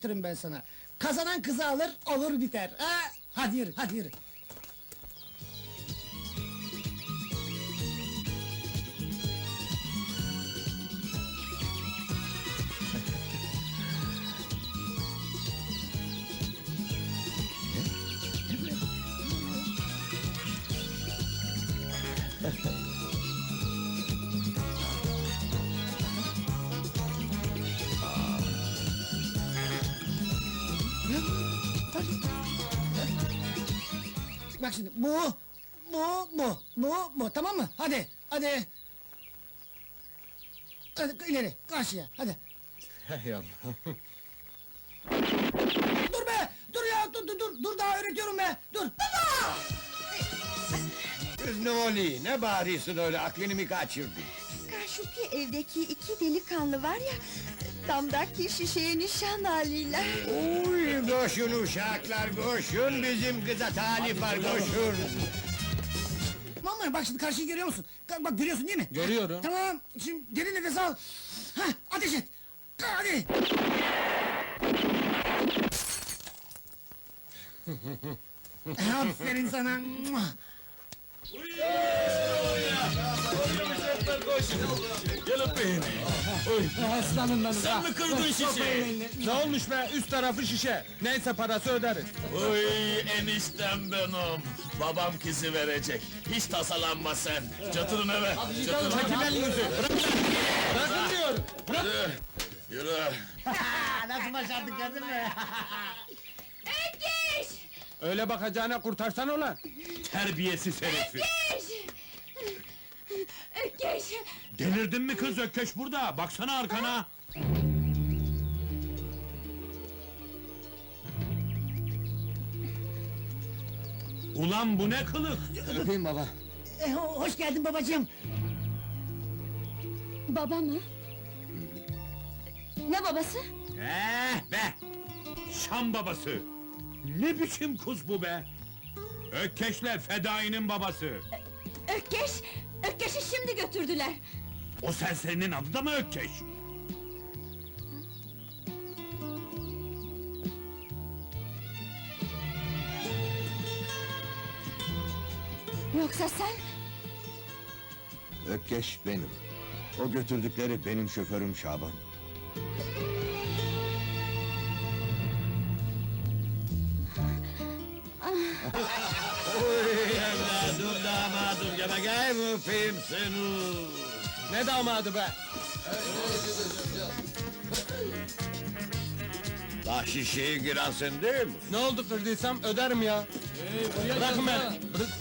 ben sana. Kazanan kızı alır, olur biter. Ha? Hadi yürü, hadi yürü. Bak şimdi, bu, tamam mı? Hadi, hadi. Hadi ileri, karşıya, hadi. Hey Allah! Dur be, dur ya, dur daha öğretiyorum be, dur. Baba! Kız ne oluyor? Ne bağırıyorsun öyle? Aklını mı kaçırdın? Karşıki evdeki iki delikanlı var ya... ...damdaki şişeye nişan alıyorlar. Uy, koşun uşaklar, koşun! Bizim kıza talip var, koşun! Vallahi bak şimdi karşıyı görüyor musun? Bak görüyorsun değil mi? Görüyorum. Tamam, şimdi derin nefes al. Hah, ateş et. Hadi. Aferin sana. Gel öpeyim. Aslanım benim. Sen mi kırdın şişeyi? Ne olmuş be? Üst tarafı şişe. Neyse parası öderiz. Oy eniştem benim. Babam kızı verecek. Hiç tasalanma sen. Çatırın eve. Çatırın. Çekil elinizi. Bırakın diyorum. Yürü. Nasıl başardık gördün mü? Ökkeş! Öyle bakacağına kurtarsan ulan. Terbiyesiz herifi. Ökkeş! Ökkeş! Delirdin mi kız Ökkeş burada? Baksana arkana. Ulan bu ne kılık? Öpeyim baba. Hoş geldin babacığım. Baba mı? Ne babası? Be! Şam babası! Ne biçim kız bu be? Ökkeş'le Fedai'nin babası! Ökkeş! Ökkeş'i şimdi götürdüler! O serserinin adı da mı Ökkeş? Yoksa sen? Ökkeş benim. O götürdükleri benim şoförüm Şaban. Oy evladım, damadım, gel bakayım öpeyim seni! Ne damadı be? Daha şişeyi giren sen değil mi? Ne oldu kırdıysam öderim ya. Bırakın beni.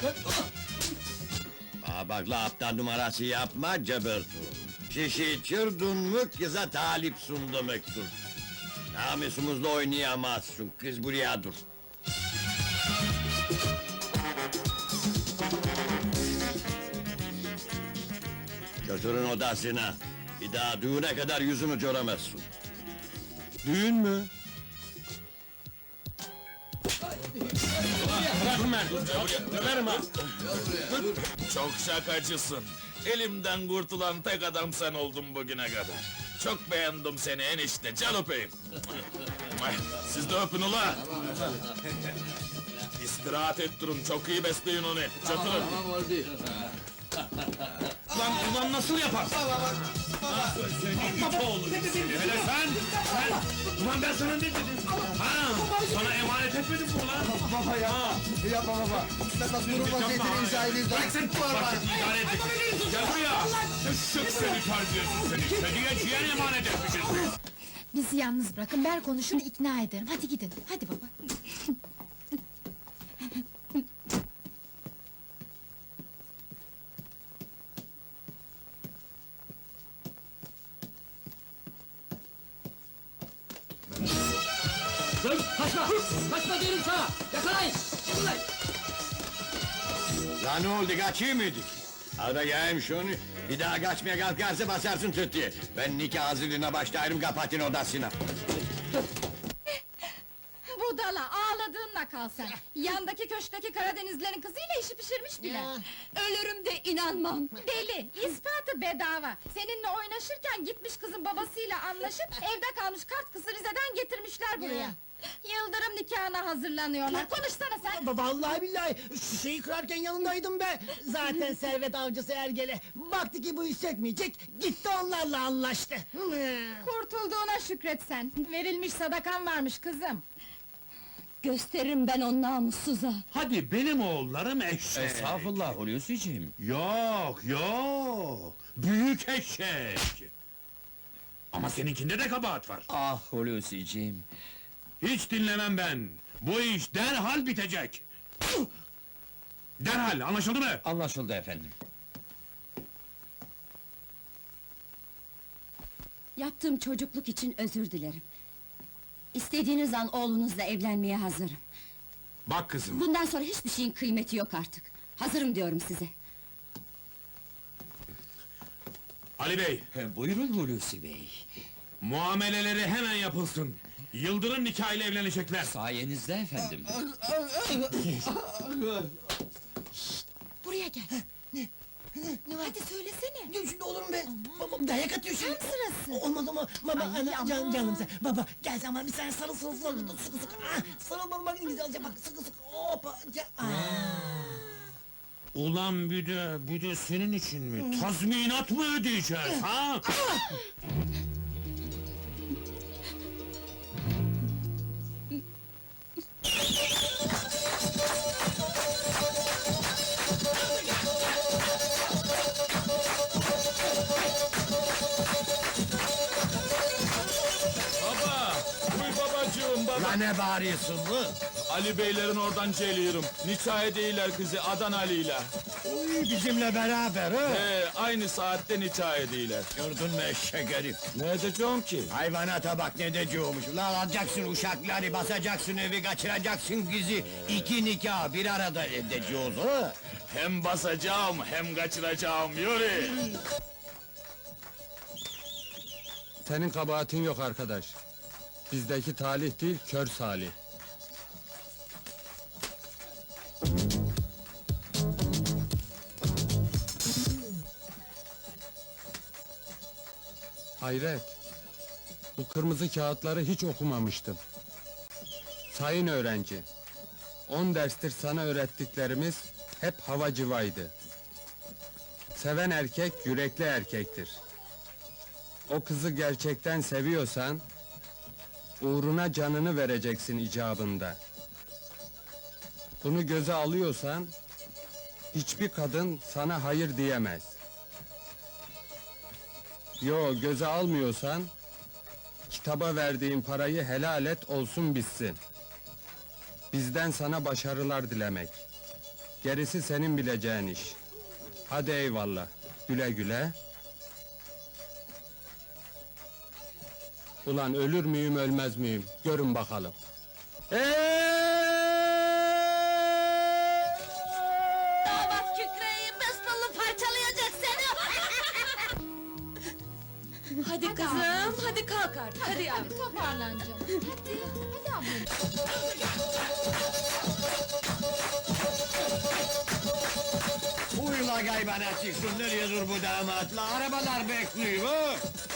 Bak la aptal numarası yapma Cebertu. Şişeyi çırdın mı kıza talipsun demektir. Namusumuzla oynayamazsın, kız buraya dur. Götürün odasına. Bir daha düğüne kadar yüzümü göremezsin. Düğün mü? Bırakın beni. Öperim ha. Çok şakacısın. Elimden kurtulan tek adam sen oldun bugüne kadar. Çok beğendim seni enişte, can öpeyim. Siz de öpün ula! İstirahat ettirin, çok iyi besleyin onu, çatırın! Ulan nasıl yapar? Senin it oğlu seni, hele sen! Ulan ben sana ne dedim? Ha, sana emanet etmedim mi ulan? Baba ya! Yapma baba! Esas durum vaziyetini izah edeyim. Bırak sen! Vakit idare et! Gel buraya! Şık seni terbiyesiz seni! Kediye ciğer emanet etmişiz! Bizi yalnız bırakın, ben konuşur ikna ederim. Hadi gidin, hadi baba. Kaçma diyorum sana! Yakalayın! Ya ne oldu, kaçıyor muyduk? Al bakayım şunu, bir daha kaçmaya kalkarsa basarsın tütüye. Ben nikah hazırlığına başlarım, kapatın odasına. Budala, ağladı Anladığınla kal sen. Yandaki köşkteki Karadenizlerin kızıyla işi pişirmiş bile. Ya. Ölürüm de inanmam. Deli, ispatı bedava. Seninle oynaşırken gitmiş kızın babasıyla anlaşıp evde kalmış kart kızı Rize'den getirmişler buraya. Ya. Yıldırım nikahına hazırlanıyorlar. Konuşsana sen. Vallahi billahi şişeyi kırarken yanındaydım be. Zaten servet avcısı Ergele. Baktı ki bu iş çekmeyecek, gitti onlarla anlaştı. Kurtulduğuna şükret sen. Verilmiş sadakan varmış kızım. Gösteririm ben o namussuza. Hadi benim oğullarım eşek. Estağfurullah Hulusi'ciğim. Yok yok. Büyük eşek. Ama seninkinde de kabahat var. Ah Hulusi'ciğim. Hiç dinlemem ben. Bu iş derhal bitecek. Derhal, anlaşıldı mı? Anlaşıldı efendim. Yaptığım çocukluk için özür dilerim. İstediğiniz an oğlunuzla evlenmeye hazırım. Bak kızım, Bundan sonra hiçbir şeyin kıymeti yok artık. Hazırım diyorum size. Ali Bey, Buyurun Hulusi Bey. muameleleri hemen yapılsın. Yıldırım nikahıyla evlenecekler. Sayenizde efendim. Buraya gel. Hadi söylesene. Dur şimdi olur mu be? Babam dayak atıyor şimdi. Tam sırası. Olmaz ama baba, Ay, ana, aman. canım sen. Baba, gel sen bana bir sen sarıl sarıl sarıl, sıkı sıkı. Ah, sarıl bana bak İngilizce bak, sıkı sıkı. Hoppa, Ulan bir de senin için mi? Tazminat mı ödeyeceğiz, ha? Baba! Uy babacığım baba! La ne bağırıyorsun bu? Ali beylerin oradan geliyorum. Nikah edeyler kızı Adan Ali'yle. Uy, bizimle beraber ha? Aynı saatte nikah edeyler. Gördün mü eşek herif? Ne edeceğim ki? Hayvanata bak ne diyeceğimiş. Ulan alacaksın uşakları, basacaksın evi, kaçıracaksın kızı. İki nikah bir arada edeceğiz ha? Hem basacağım hem kaçıracağım, yürü! Senin kabahatin yok arkadaş. Bizdeki talih değil, kör salih. Hayret! Bu kırmızı kağıtları hiç okumamıştım. Sayın öğrenci, 10 derstir sana öğrettiklerimiz hep hava cıvaydı. Seven erkek yürekli erkektir. O kızı gerçekten seviyorsan, uğruna canını vereceksin icabında. Bunu göze alıyorsan, hiçbir kadın sana hayır diyemez. Yo, göze almıyorsan, kitaba verdiğin parayı helal et olsun bitsin. Bizden sana başarılar dilemek. Gerisi senin bileceğin iş. Hadi eyvallah, güle güle. Ulan ölür müyüm ölmez miyim? Görün bakalım. Damat kükreyi besnalı parçalayacak seni! Hadi kızım, hadi kalk artık. Hadi yavrum. Toparlan canım. Hadi ablam. Uyla gaybana çıksın, nereye dur bu damatla? Arabalar bekliyor ha?